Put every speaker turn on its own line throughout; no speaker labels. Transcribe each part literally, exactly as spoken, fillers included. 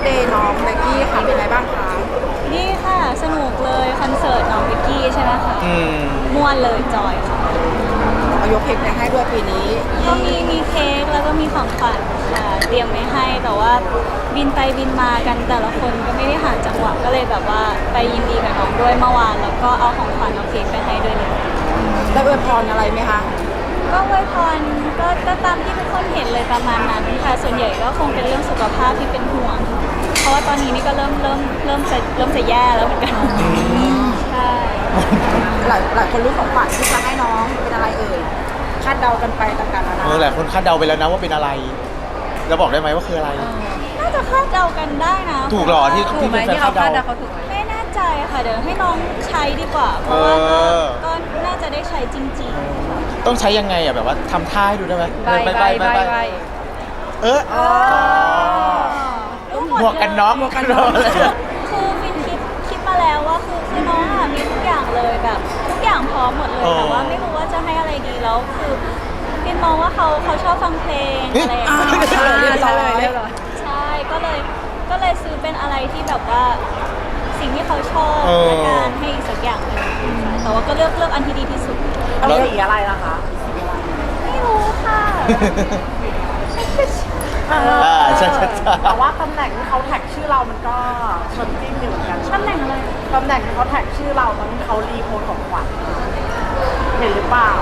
เดย์น้องเบกกี้ค่ะเป็นไงบ้างคะ
นี่ค่ะสนุกเลยคอนเสิร์ตน้องวิกกี้ใช่ไหมคะม่วนเลยจอยค่ะ
เอายกเพลงไปให้ด้วยปีนี้
ก็มีมีเค้กแล้วก็มีของขวัญค่ะเตรียมไว้ให้แต่ว่าบินไปบินมากันแต่ละคนก็ไม่ได้หาจังหวะก็เลยแบบว่าไปยินดีกับน้องด้วยเมื่อวานแล้วก็เอาของขวัญเอาเค้กไปให้ด้วยเลย
ได้อวยพรอะไรไหมคะ
ก็อวยพรก็ก็ตามที่ทุกคนเห็นเลยประมาณนั้นค่ะส่วนใหญ่ก็คงเป็นเรื่องสุขภาพที่เป็นห่วงเพราะว่าตอนนี้นี่ก็เริ่มเริ่มเริ่มจะเริ่มจะแย่แล้วเหมือนกันใช่
หลายหลายคนรู้ของขวัญที่จะให้น้องเป็นอะไรเอ่ยคาดเดากันไปต่างๆนานา
เออหลายคนคาดเดาไปแล้วนะว่าเป็นอะไรแล้วบอกได้ไหมว่าคืออะไร
น่าจะคาดเดากันได้นะ
ถูกหรอที่ที่เป็นแฟนคาดเดา
ไม่แน่ใจค่ะเดี๋ยวให้น้องใช้ดีกว่าเพราะว่าก็น่าจะได้ใช้จริงๆ
ต้องใช้ยังไงอ่ะแบบว่าทำท่าให้ดูได้ไหม
ใบใบใบใบ
เออหมวกกันน็อกหมวกกันน็อก
คือฟินคิดคิดมาแล้วว่าคือคือน้องอ่ะมีทุกอย่างเลยแบบทุกอย่างพร้อมหมดเลยแต่ว่าไม่รู้ว่าจะให้อะไรดีแล้วคือฟินมองว่าเขาเขาชอบฟังเพลงอะไรอย่างเงี้ย
ใช่เลยเรียบร้อย
ใช่ก็เลยก็เลยซื้อเป็นอะไรที่แบบว่าสิ่งที่เขาชอบและการให้อีกสักอย่างหนึ่งแต่ว่าก็เลือกเลือกอันที่ดีที่สุด
แล้วสีอะไรล่ะคะ
ไม่รู้ค่ะ
อ่าใช่ใช่
แต่ว่าตำแหน่งที่เขาแท็กชื่อเรามันก็ชนจิ้มอยู่เหมือนกัน
ตำแหน่งอะไร
ตำแหน่งที่เขาแท็กชื่อเรามันเขารีโพสของขวัญเห็นหรือเปล่า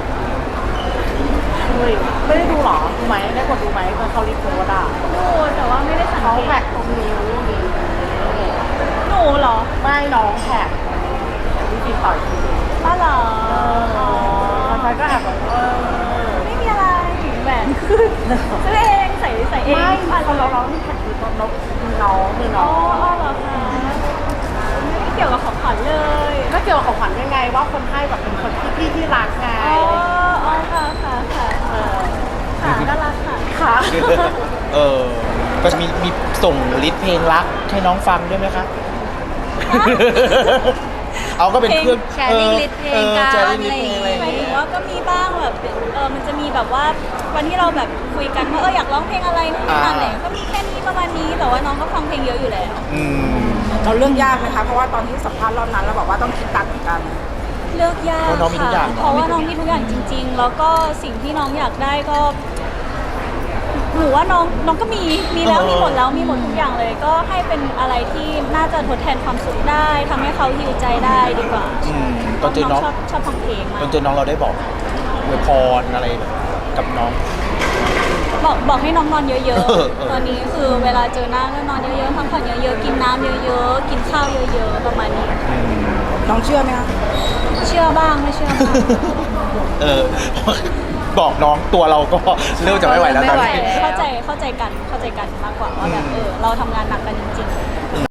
ไม่ได้ดูหรอดูไหมได้กดดูไหมตอนเขารีโพสอ่ะ
ดูแต่ว่าไม่ได้สังเกต
เขาแท็กตรงนิ้ว
หนูเหรอ
ไม่น้องแท็กที่ฟินต่อยคือ
ป้าเหรอ
ใครก็แอบแบบเออ
ไม่มีอะไรแหวนขึ้นซื้อเองใส่ใส่เอง
ไม่เขาเราเราที่แท็กคือน้องคือน้องคือน้อง
อ๋อเหรอคะไม่เกี่ยวกับของขวัญเลย
ก็เกี่ยวกับของขวัญยังไงว่าคนให้แบบเป็นคนที่พี่ที่รักไง
อ๋ออ๋อค่ะค่ะค่ะค่ะน่ารักค่ะ
ค่ะ
เออก็มีมีส่งลิสต์เพลงรักให้น้องฟังด้วยไหมคะเอาก็เป็นเครื่อง
แชร์ลิงลิสต์เพลงกันอะไรอย่างเงี้ยหมายถึงว่าก็มีบ้างแบบเออมันจะมีแบบว่าวันที่เราแบบคุยกันว่าเอออยากร้องเพลงอะไรนู่นนี่นั่นอะไรก็มีแค่นี้ประมาณนี้แต่ว่าน้องก็ฟังเพลงเยอะอยู่แล้ว
เราเลือกยากไหมคะเพราะว่าตอนที่สัมภาษณ์รอบนั้นเราบอกว่าต้องคิดตังค์เหมือนกัน
เลือกยากค่ะเพราะว่าน้องมีทุกอย่างจริงๆแล้วก็สิ่งที่น้องอยากได้ก็หนูว่าน้องน้องก็มีมีแล้วมีหมดแล้วมีหมดทุกอย่างเลยก็ให้เป็นอะไรที่น่าจะทดแทนความสุขได้ทำให้เขาฮิวใจได้ดีกว่า
ตอนเจอน้อง
ชอบชอบฟังเพลงมาก
ตอนเจอน้องเราได้บอกอวยพรอะไรกับน้อง
บอกบอกให้น้องนอนเยอะๆตอนนี้คือเวลาเจอหน้าก็นอนเยอะๆพักผ่อนเยอะๆกินน้ำเยอะๆกินข้าวเยอะๆประมาณนี้
น้องเชื่อไหมคะ
เชื่อบ้างไม่เชื่อบ้าง
เออบอกน้องตัวเราก็เริ่มจะไม่ไหวแล้วตอนนี้
เข้าใจเข้าใจกันเข้าใจกันมากกว่าว่าแบบเออเราทำงานหนักกันจริงๆ